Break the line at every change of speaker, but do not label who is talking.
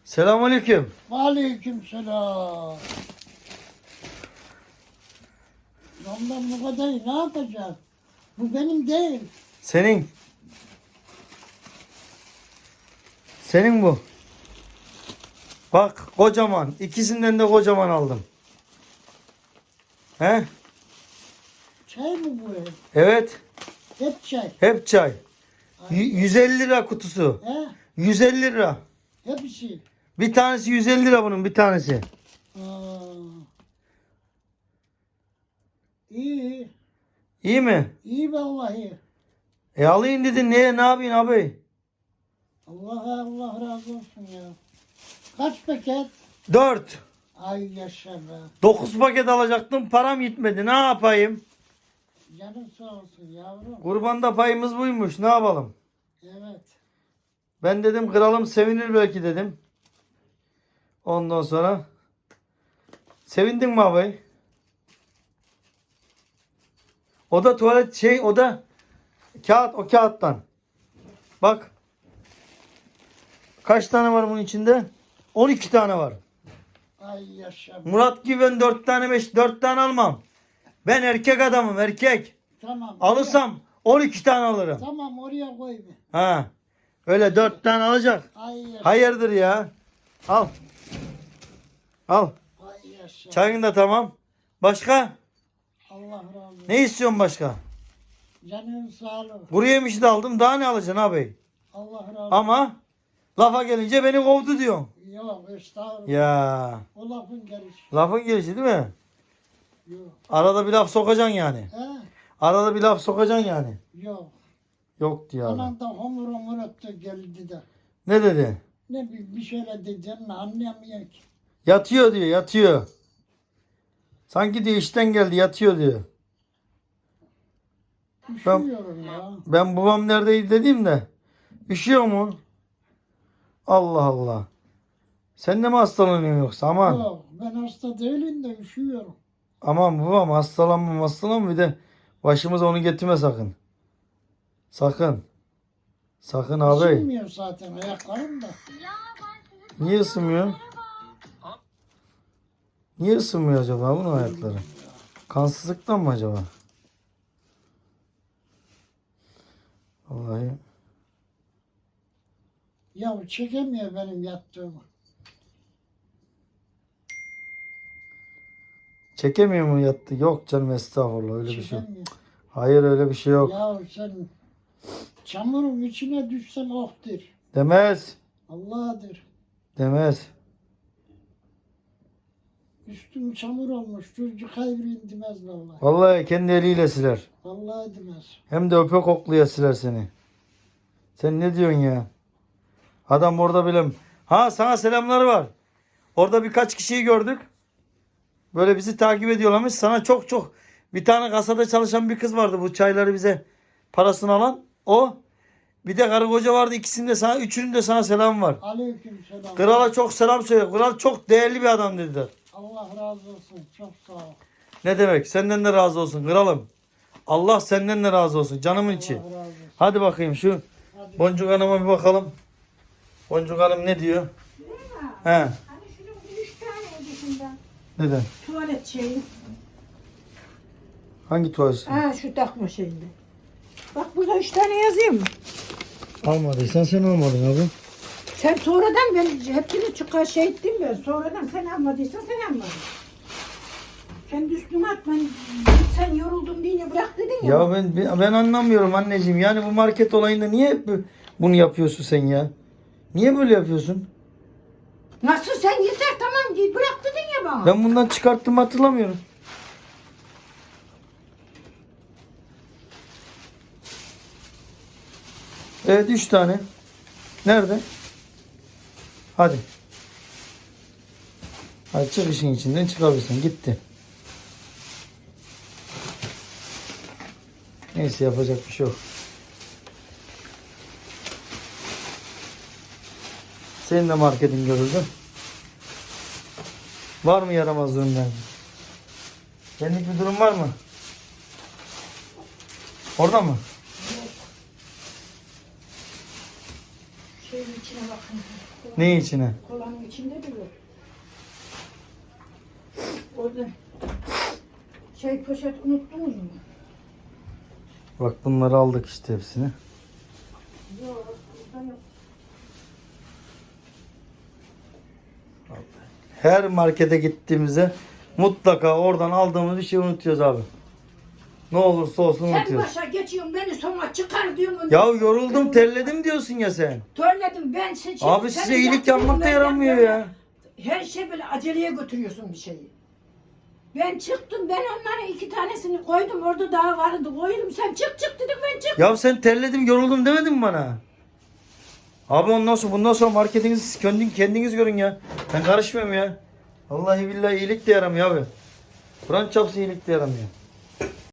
Selamünaleyküm.
Aleykümselam. Ondan bu kadar ne yapacağız? Bu benim değil.
Senin. Senin bu. Bak kocaman. İkisinden de kocaman aldım. He?
Çay mı bu?
Evet.
Hep çay.
Hep çay. 150 lira kutusu.
He?
150 lira.
Hepsi.
Bir tanesi 150 lira bunun bir tanesi.
Aa. İyi.
İyi mi?
İyi vallahi.
Alayım dedin. Ne yapayım abi?
Allah razı olsun ya. Kaç paket?
4.
Ay yaşa be.
9 paket alacaktım. Param yetmedi. Ne yapayım?
Canın sağ olsun yavrum.
Kurbanda payımız buymuş. Ne yapalım?
Evet.
Ben dedim kralım sevinir belki dedim. Ondan sonra sevindin mi abi? O da tuvalet o da kağıt, o kağıttan. Bak. Kaç tane var bunun içinde? 12 tane var.
Ay yaşa be.
Murat gibi ben 4 tane almam. Ben erkek adamım, erkek.
Tamam.
Alırsam 12 tane alırım.
Tamam oraya koy bir.
Ha. Öyle 4 tane alacak.
Ay yaşa.
Hayırdır ya? Al. Al.
Ay yaşa.
Çayın da tamam. Başka?
Allah razı olsun.
Ne istiyorsun başka?
Canın sağlığı.
Kuru yemişi de aldım. Daha ne alacaksın abi?
Allah razı olsun.
Ama lafa gelince beni kovdu diyorsun.
Yok estağfurullah.
Ya.
O lafın gelişi.
Lafın gelişi değil mi?
Yok.
Arada bir laf sokacaksın yani.
He?
Arada bir laf sokacaksın yani.
Yok.
Yok diyor adam.
Anan da homur homur öptü geldi de.
Ne dedi?
Ne bir şeyler diyeceğini anlayamıyor ki.
Yatıyor diyor, yatıyor. Sanki diyor işten geldi, yatıyor diyor.
Üşüyorum ya.
Ben babam neredeydi dediğimde üşüyor mu? Allah Allah. Sen de mi hastalanıyorsun yoksa? Aman.
Yok ben hasta değilim de üşüyorum.
Aman babam hastalanma bir de başımıza onu getirme sakın. Sakın. Sakın abi.
Isınmıyor zaten ayaklarım da.
Niye ısınmıyor? Niye ısınmıyor acaba bunun ayakları? Kansızlıktan mı acaba? Vallahi.
Ya çekemiyor benim yattığımı.
Çekemiyor mu yattı? Yok canım estağfurullah öyle bir şey yok.
Çekemiyor.
Hayır öyle bir şey yok.
Ya sen çamurun içine düşsen ohtur.
Demez.
Allah'dır.
Demez.
Üstüm çamur olmuş. Çocuk hayır indimez vallahi.
Vallahi kendi eliyle siler.
Vallahi demez.
Hem de öpe kokluya siler seni. Sen ne diyorsun ya? Adam orada bile... Ha sana selamları var. Orada birkaç kişiyi gördük. Böyle bizi takip ediyorlarmış. Sana çok bir tane kasada çalışan bir kız vardı. Bu çayları bize parasını alan. O. Bir de karı koca vardı. Üçünün de sana selam var.
Aleykümselam.
Krala çok selam söyle. Kral çok değerli bir adam dediler.
Allah razı olsun. Çok sağ ol.
Ne demek? Senden de razı olsun kralım. Allah senden de razı olsun. Canımın içi.
Allah razı olsun.
Hadi bakayım şu
Hadi.
Boncuk Hanım'a bir bakalım. Boncuk Hanım ne diyor? He.
Hani şunun 3 tane dışında
Neden?
tuvalet şeyi.
Hangi tuvalet?
Ha şu takma şeyinde. Bak burada 3 tane yazıyor mu?
Almadıysan sen almadın abi.
Sen sonradan ben hepsini çıkar şey ettim ben. Sonradan sen almadıysan sen almadın. Kendi üstüme atman. Sen yoruldun diye bırak dedin ya.
Ya ben anlamıyorum anneciğim. Yani bu market olayında niye bunu yapıyorsun sen ya? Niye böyle yapıyorsun?
Nasıl sen yeter tamam diye bırak dedin ya bana.
Ben bundan çıkarttığımı hatırlamıyorum. Evet 3 tane. Nerede? Hadi. Hadi çık işin içinden çıkabilirsin. Gitti. Neyse yapacak bir şey yok. Senin de marketin görüldü. Var mı yaramazlığın ben? Senlik bir durum var mı? Orada mı?
Şeyin içine bakın.
Ne içine?
Kolanın içinde duruyor. Orada şey poşet unuttunuz mu?
Bak bunları aldık işte hepsini.
Yok, burada yok.
Her markete gittiğimizde mutlaka oradan aldığımız bir şey unutuyoruz abi. Ne olursa olsun
Sen
unutuyoruz.
başa geçiyorsun beni sonra çıkar diyorsun.
Ya yoruldum, terledim diyorsun ya sen.
Törledim ben seçim.
Abi size iyilik yapmak da yaramıyor ya.
Her şey böyle aceleye götürüyorsun bir şeyi. Ben çıktım, ben onların 2 tanesini koydum, orada daha vardı, koydum. Sen çık dedim, ben çık.
Ya sen terledim, yoruldum demedin mi bana? Abi bundan sonra marketinizi kendiniz görün ya. Ben karışmıyorum ya. Vallahi billahi iyilik de yaramıyor abi. Kur'an çarpsın iyilik de yaramıyor.